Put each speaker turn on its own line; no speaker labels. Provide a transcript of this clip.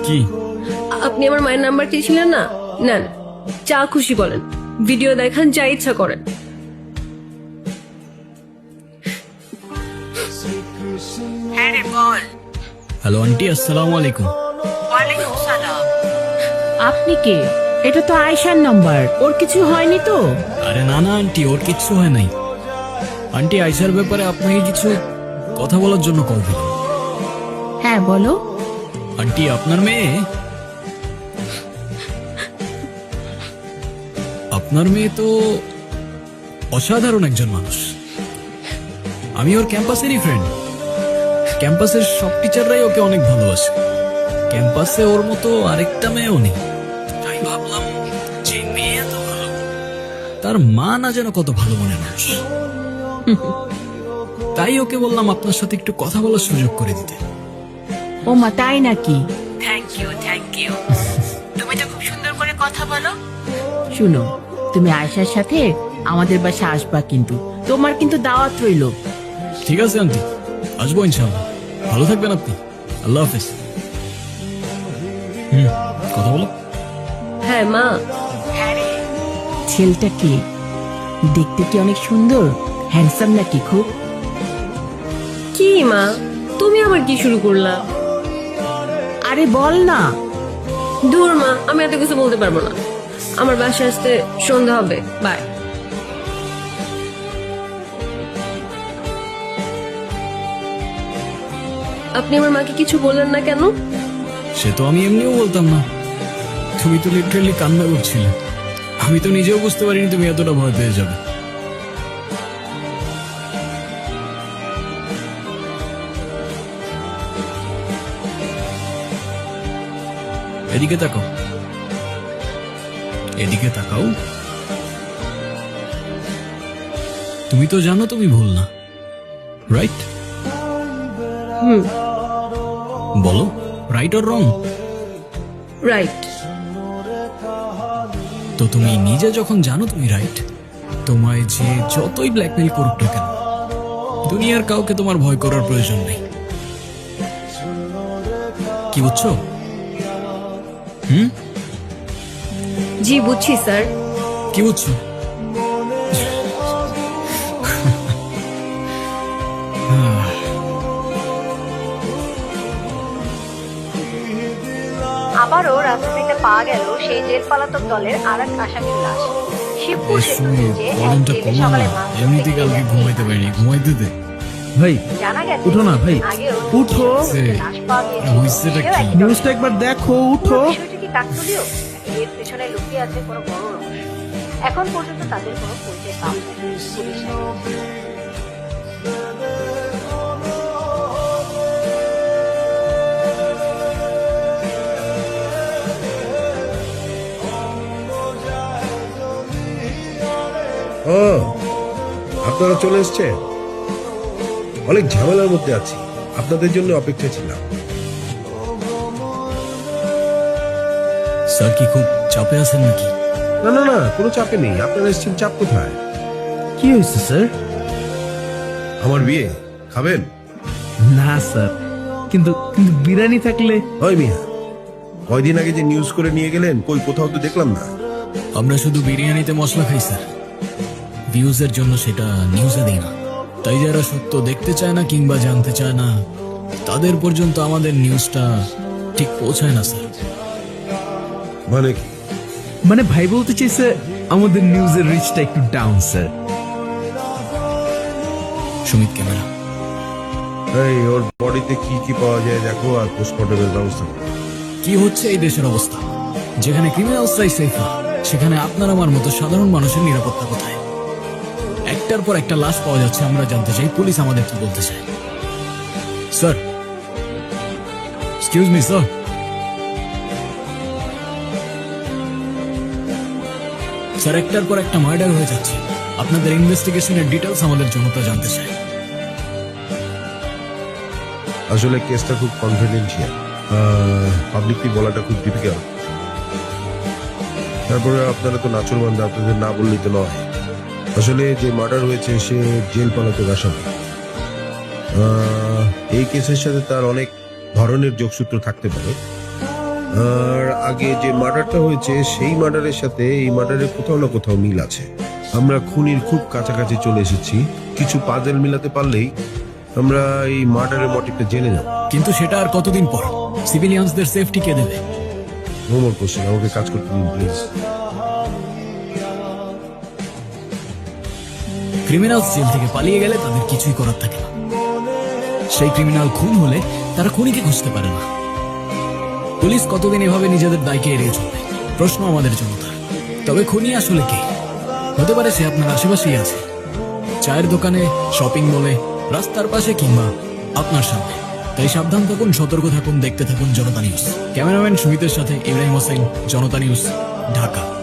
কি?
আপনি আমার মায়ের নাম্বার চেয়েছিলেন না, নেন, যা খুশি বলেন, ভিডিও দেখান, যা ইচ্ছা করেন।
হ্যাঁ রে বল।
হ্যালো আন্টি, আসসালামু আলাইকুম।
ওয়ালাইকুম সালাম। আপনি কে? এটা তো আয়েশার নাম্বার, ওর কিছু হয়নি তো?
আরে না না আন্টি, ওর কিচ্ছু হয় নাই। আন্টি, আয়শার ব্যাপারে আপনাকে কিছু কথা বলার জন্য কল দিলাম।
হ্যাঁ বলো।
আন্টি, আপনার মেয়ে তো অসাধারণ একজন মানুষ। আমি ওর ক্যাম্পাসেরই ফ্রেন্ড। ক্যাম্পাসের সব টিচাররাই ওকে অনেক ভালোবাসে। ক্যাম্পাসে ওর মতো আরেকটা মেয়েও নেই। তাই ভাবলাম যে মেয়ে এত ভালো, তার মা না যেন কত ভালো মনের মানুষ। তাই ওকে বললাম আপনার সাথে একটু কথা বলার সুযোগ করে দিতে।
ও মা, তাই নাকি? Thank you. তুমি তো খুব সুন্দর করে কথা বলো। শুনো, তুমি আয়েশার সাথে আমাদের বাসা আসবা, কিন্তু তোমার কিন্তু দাওয়াত রইলো।
ঠিক আছে আন্টি, আসবো ইনশাআল্লাহ। ভালো থাকবেন আপনি। আল্লাহ হাফেজ। কথা বলো।
হ্যাঁ মা।
ছেলেটা কি দেখতে, কি অনেক সুন্দর, হ্যান্ডসাম নাকি খুব?
কি মা, তুমি আবার কি শুরু করলা?
আরে বল না।
দূর মা, আমি এত কিছু বলতে পারবো না। আমার বাসায় আসতে সন্ধ্যা হবে, বাই। আপনি আমার মাকে কিছু বললেন না কেন?
সে তো আমি এমনিও বলতাম না। তুমি তো লিটারালি কান্না করছিলে। আমি তো নিজেও বুঝতে পারিনি তুমি এতটা ভয় পেয়ে যাবে। এদিকে তাকাও, এদিকে তাকাও। তুমি তো জানো তুমি ভুল না, রাইট? বলো, রাইট অর রং?
রাইট।
তো তুমি নিজে যখন জানো তুমি রাইট, তোমায় যে যতই ব্ল্যাকমেল করুক না কেন, দুনিয়ার কাউকে তোমার ভয় করার প্রয়োজন নেই। কি বুঝছো?
জি বুঝছি স্যার।
কি বুঝছো?
আবারও রাজধানীতে পাওয়া গেল সেই জেল পলাতক দলের আরেক আসামির লাশ। শিবপুর সেতুর নিচে এক
কলমটা
জেলে
কমা
সকালে
না,
মাছ
এমনিতে
ধরতে
কালকে
গিয়ে
ঘুমাইতে পারিনি, ঘুমাইতে দে।
ভাই
জানা গেছে
উঠো না ভাই,
আগেও
উঠো।
লাশ পাওয়া গিয়েছিল।
হইছেটা
সেও
কি?
একই
নিউজটা একবার দেখো, উঠো।
পুরো বিষয়টি কি কাকতালীয়? এর পেছনে লুকিয়ে আছে কোনো বড় রহস্য। এখন পর্যন্ত তাদের কোনো পরিচয় পাওয়া যায়নি। পুলিশ
ও, আপনারা চলে এসছেন? অনেক ঝামেলার মধ্যে আছি, আপনাদের জন্য অপেক্ষায় ছিলাম।
স্যার কি খুব চাপে আছেন নাকি?
না না না, কোনো চাপে নেই। আপনারা এসছেন, চাপ কোথায়?
কি হয়েছে স্যার?
আমার বিয়ে খাবেন?
না স্যার, কিন্তু কিন্তু বিরিয়ানি থাকলে।
ওই মিয়া, কয়দিন আগে যে নিউজ করে নিয়ে গেলেন, কই কোথাও তো দেখলাম না।
আমরা শুধু বিরিয়ানিতে মশলা খাই স্যার, ভিউজের জন্য সেটা নিউজে দিই না। তাই যারা সত্য দেখতে চায় না কিংবা জানতে চায় না, তাদের পর্যন্ত আমাদের নিউজটা ঠিক পৌঁছায় না স্যার।
মানে কি?
মানে ভাই বলতে চাইছে আমাদের নিউজের রিচটা একটু ডাউন স্যার।
সুমিত ক্যামেরা।
এই ওর বডিতে কি কি পাওয়া যায় দেখো, আর পোস্টমর্টমের ব্যবস্থা করো।
কি হচ্ছে এই দেশের অবস্থা? যেখানে ক্রিমিনালসরাই সেফ না, সেখানে আপনার আমার মতো সাধারণ মানুষের নিরাপত্তা কোথায়? একটার পর একটা লাশ পাওয়া যাচ্ছে, আমরা জানতে চাই পুলিশ আমাদের কি বলতে চায়। Sir, excuse me sir. Sir, একটার পর একটা মার্ডার হয়ে যাচ্ছে, আপনাদের ইনভেস্টিগেশনের ডিটেলস আমাদের জনতা জানতে চায়।
আসলে কেসটা খুব কনফিডেন্সিয়াল, পাবলিকলি বলাটা খুব ডিফিকাল্ট। তারপরে আপনারা তো নাচুরবান্ধা, আপনাদের না বললেই তো নয়। আসলে যে মার্ডার হয়েছে সে জেল পলাতক আসামি। এই কেসের সাথে তার অনেক ধরনের যোগসূত্র থাকতে পারে, আর আগে যে মার্ডারটা হয়েছে সেই মার্ডারের সাথে এই মার্ডারের কোথাও না কোথাও মিল আছে। আমরা খুনির খুব কাছাকাছি চলে এসেছি, কিছু পাজেল মিলাতে পারলেই আমরা এই মার্ডারের মোটিভটা জেনে যাব।
কিন্তু সেটা আর কতদিন পর? সিভিলিয়ানসদের সেফটি কে দেবে?
নোমর কোশ্চেন, আমাকে কাজ করতে দিন প্লিজ।
ক্রিমিনাল জেল থেকে পালিয়ে গেলে তাদের কিছুই করার থাকে না। সেই ক্রিমিনাল খুন হলে তারা খুনিকে খুঁজতে পারে না। পুলিশ কতদিন এভাবে নিজেদের দায়কে এড়িয়ে চলবে? প্রশ্ন আমাদের জনতার। তবে খুনি আসলে কে? হতে পারে সে আপনার আশেপাশেই আছে, চায়ের দোকানে, শপিং মলে, রাস্তার পাশে কিংবা আপনার সামনে। তাই সাবধান থাকুন, সতর্ক থাকুন, দেখতে থাকুন জনতা নিউজ। ক্যামেরাম্যান সুমিতের সাথে ইব্রাহিম হোসেন, জনতা নিউজ, ঢাকা।